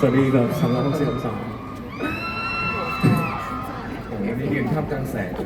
สวัสดีแบบ360 องศาโอ้โหนี่ยืนท่ามกลางแสงเลย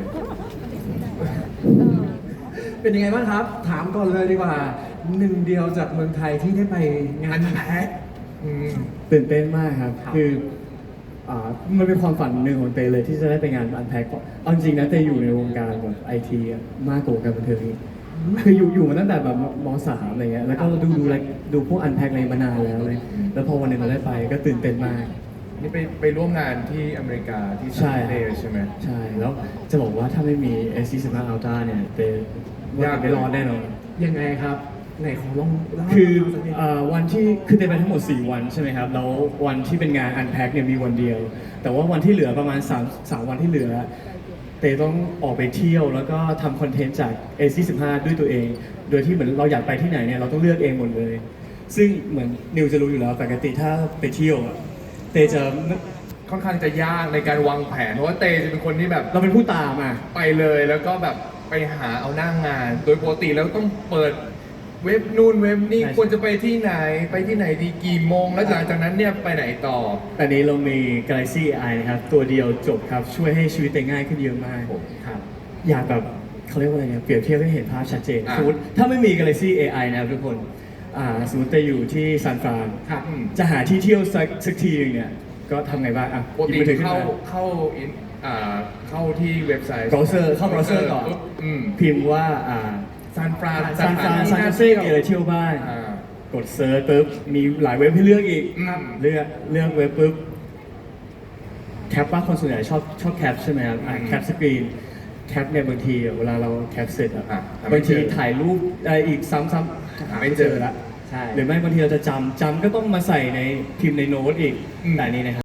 เป็นยังไงบ้างครับ ถามก่อนเลยดีกว่าหนึ่งเดียวจากเมืองไทยที่ได้ไปงานแพ็คตื่นเต้นมากครับครับคือมันเป็นความฝันหนึ่งของเตเลยที่จะได้ไปงานอันแพ็คเอาจริงนะเตอยู่ในวงการแบบไอทีมากกว่าวงการบันเทิงอีกคืออยู่มาตั้งแต่แบบม.3 อะไรเงี้ยแล้วก็ดูพวกอันแพ็คอะไรมานานแล้วเลยแล้วพอวันหนึงเราได้ไปก็ตื่นเต้นมากนี่ไปร่วมงานที่อเมริกาที่ใช่ซานเดย์ใช่ไหมใช่แล้วจะบอกว่าถ้าไม่มี S25 Ultra เนี่ยเตยากไม่รอดแน่นอนยังไงครับไหนขอลองเล่าให้คือฟังสักนิดวันที่คือเตยไปทั้งหมด 4 วันใช่ไหมครับ แล้ววันที่เป็นงาน Unpack เนี่ยมีวันเดียว แต่ว่าวันที่เหลือประมาณ3วันที่เหลือ เตยต้องออกไปเที่ยวแล้วก็ทำคอนเทนต์จาก A45 ด้วยตัวเอง โดยที่เหมือนเราอยากไปที่ไหนเนี่ยเราต้องเลือกเองหมดเลย ซึ่งเหมือนนิวจะรู้อยู่แล้วปกติถ้าไปเที่ยวอะเตยจะค่อนข้างจะยากในการวางแผนเพราะว่าเตจะเป็นคนที่แบบเราเป็นผู้ตามอ่ะไปเลยแล้วก็แบบไปหาเอาหน้างงาน โดยปกติแล้วต้องเปิดเว็บนู่นเว็บนี่ใช่ควรจะไปที่ไหนไปที่ไหนดีกี่โมง แล้วหลังจากนั้นเนี่ยไปไหนต่อแต่นี้เรามี Galaxy AI นะครับ ตัวเดียวจบครับ ช่วยให้ชีวิตเตยง่ายขึ้นเยอะมากครับอยากแบบเขาเรียกว่าอะไรเนี่ยเปรียบเทียบให้เห็นภาพชัดเจนอ่ะสมมติถ้าไม่มี Galaxy AI นะครับทุกคนสมมติจะอยู่ที่ซานฟรานครับจะหาที่เที่ยวสักทีหนึงเนี่ยก็ทำไงบ้างอ่ะปกหยิบติมือถือขึ้นเข้ามาเข้าอินเข้าที่เว็บไซต์เบราว์เซอร์เข้าเบราว์เซอร์ก่อนปุ๊บพิมพ์ว่าซานฟรานซานฟรานมีอะไรเที่ยวบ้างอ่ากดเซิร์ชปุ๊บมีหลายเว็บให้เลือกอีกอืมเลือกเว็บปุ๊บแคปว่าคนส่วนใหญ่ชอบแคปใช่ไหมครับแคปสกรีนแคปเนี่ยบางทีเวลาเราแคปเสร็จอะอ่ะหาไม่บางเจทีอถ่ายรูปอะไรอีกซ้ำๆหาไม่เจอละใช่หรือไม่บางทีเราจะจำก็ต้องมาใส่ในพิมพ์ในโน้ตอีกอืมแต่อันนี้นะครับ